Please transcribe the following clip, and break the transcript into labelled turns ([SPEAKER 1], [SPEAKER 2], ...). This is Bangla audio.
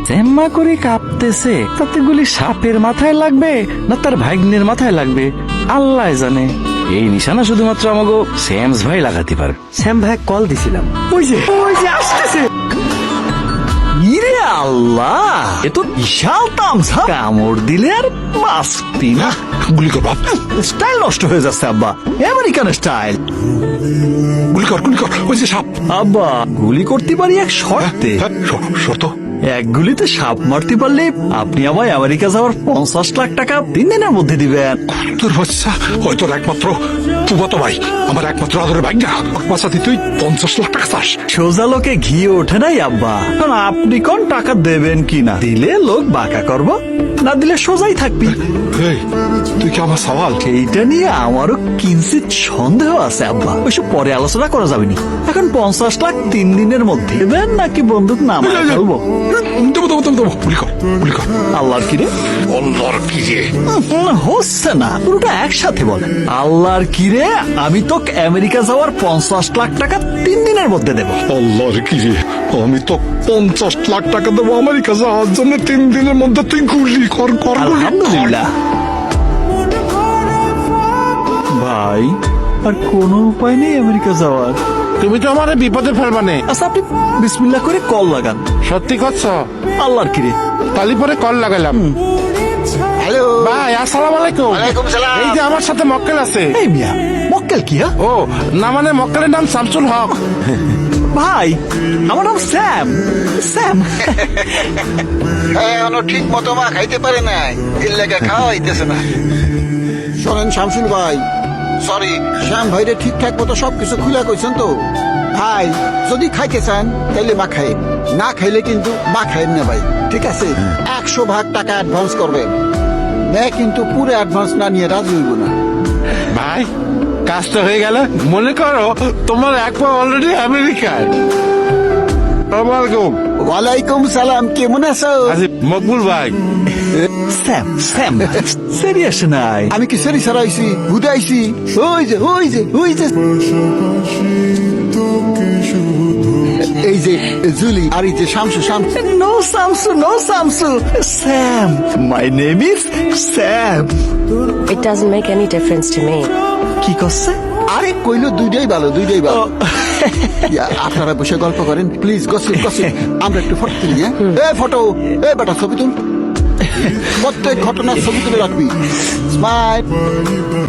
[SPEAKER 1] জ্যাম্মা করে কাঁপতেছে, তাতে গুলি সাপের মাথায় লাগবে না তার ভাগ্নের মাথায় লাগবে আল্লাহ জানে। এই নিশানা শুধুমাত্র আমাকে শ্যামস ভাই লাগাতে পারে।
[SPEAKER 2] শ্যাম ভাই কল দিছিলাম, ওই যে আসতেছে। ইরে আল্লাহ, এ তো বিশাল তামসা, কামড় দিলে আর বাঁচবি না।
[SPEAKER 3] গুলি কর বাপ,
[SPEAKER 2] স্টাইল নষ্ট হয়ে যাচ্ছে আব্বা, আমেরিকান স্টাইল।
[SPEAKER 3] গুলি কর ওই যে সাপ।
[SPEAKER 2] আব্বা গুলি করতে পারি এক শর্তে।
[SPEAKER 3] শর্ত?
[SPEAKER 2] এক গুলিতে সাপ মারতে পারলে আপনি আমায় আমেরিকা যাওয়ার 50 লাখ টাকা 3 দিনের মধ্যে দিবেন।
[SPEAKER 3] তোর বাচ্চা হয়তো একমাত্র ফুফাতো ভাই, আমার একমাত্র আদরের ভাই না, বাচ্চাতে তুই 50 লাখ টাকা চাস?
[SPEAKER 2] সোজা লোকে ঘি ওঠে নাই আব্বা। কারণ আপনি কোন টাকা দেবেন কিনা, দিলে লোক বাঁকা করবো, না দিলে সোজাই থাকবি।
[SPEAKER 3] এই, তুই কি আমার সওয়াল?
[SPEAKER 2] এইটা নিয়ে আমারও কিঞ্চিত সন্দেহ আছে আব্বা, ওইসব পরে আলোচনা করা যাবে না। এখন 50 লাখ 3 দিনের মধ্যে দেবেন নাকি বন্দুক নামায় ফেলবো?
[SPEAKER 3] দেবো, গুলি কর।
[SPEAKER 2] আল্লাহর কিরে?
[SPEAKER 3] আল্লাহর কি রে?
[SPEAKER 2] হচ্ছে না, পুরোটা একসাথে বলেন। আল্লাহর কিরে, আমি তো আমেরিকা যাওয়ার 50 লাখ টাকা 3 দিনের মধ্যে দেবো।
[SPEAKER 3] আল্লাহর কি রে, আমি তো 50 লাখ টাকা দেবো আমেরিকা যাওয়ার জন্য 3 দিনের মধ্যে। তুই গুলি কর।
[SPEAKER 2] আলহামদুলিল্লাহ ভাই, আর কোনো উপায় নেই আমেরিকা যাওয়ার।
[SPEAKER 4] তুমি তো আমার বিপদে ফেলবানে।
[SPEAKER 2] আচ্ছা আপনি বিসমিল্লাহ করে কল লাগান।
[SPEAKER 4] সত্যি করছো?
[SPEAKER 2] আল্লাহর কিরে,
[SPEAKER 4] তালি পরে কল লাগালাম।
[SPEAKER 5] হ্যালো
[SPEAKER 4] ভাই আসসালাম আলাইকুম।
[SPEAKER 5] ওয়ালাইকুম সালাম।
[SPEAKER 4] এই যে আমার সাথে মক্কেল আছে।
[SPEAKER 2] এই মিয়া মক্কেল কি?
[SPEAKER 4] ও না, মানে মক্কেলের নাম শামসুল হক।
[SPEAKER 2] ভাই আমার নাম শ্যাম।
[SPEAKER 5] এখনো ঠিক মতো মা খাইতে পারে নাই, এর লেগে খাওয়া হইতেছে না। শোনেন শামসুল ভাই, সরি, শ্যাম ভাইরে ঠিকঠাক মতো সবকিছু খুলে কইছেন তো। ভাই যদি খাইতে চান তাইলে মা খাই, না খাইলে কিন্তু মা খাইন না ভাই, ঠিক আছে? 100 ভাগ টাকা অ্যাডভান্স করবেন, মেয়ে কিন্তু পুরো অ্যাডভান্স না নিয়ে রাজি হইব না।
[SPEAKER 4] ভাই কাজ তো হয়ে গেল। মনে করো তোমার এক পা অলরেডি আমেরিকায়। আসসালামু
[SPEAKER 5] ওয়ালাইকুম সালাম, কেমন আছো?
[SPEAKER 4] মকবুল ভাই।
[SPEAKER 2] শ্যাম সিরিয়াস নাই।
[SPEAKER 5] আমি কি সেরি সারাইছি, হুদাইছি? ওই যে এই যে জুলি, আর এই যে Shamsu.
[SPEAKER 2] No Shamsu, Shyam. My name is Shyam.
[SPEAKER 6] It doesn't make any difference to me.
[SPEAKER 2] কি করছে?
[SPEAKER 5] আরে কইলো দুইটাই ভালো। ইয়া, আপনারা বসে গল্প করেন প্লিজ, গসিপ। আমরা একটু ফটো তুলি। হ্যাঁ ফটো, বেটা ছবি তুল, প্রত্যেক ঘটনার ছবি তুলে রাখবি। স্মাইল।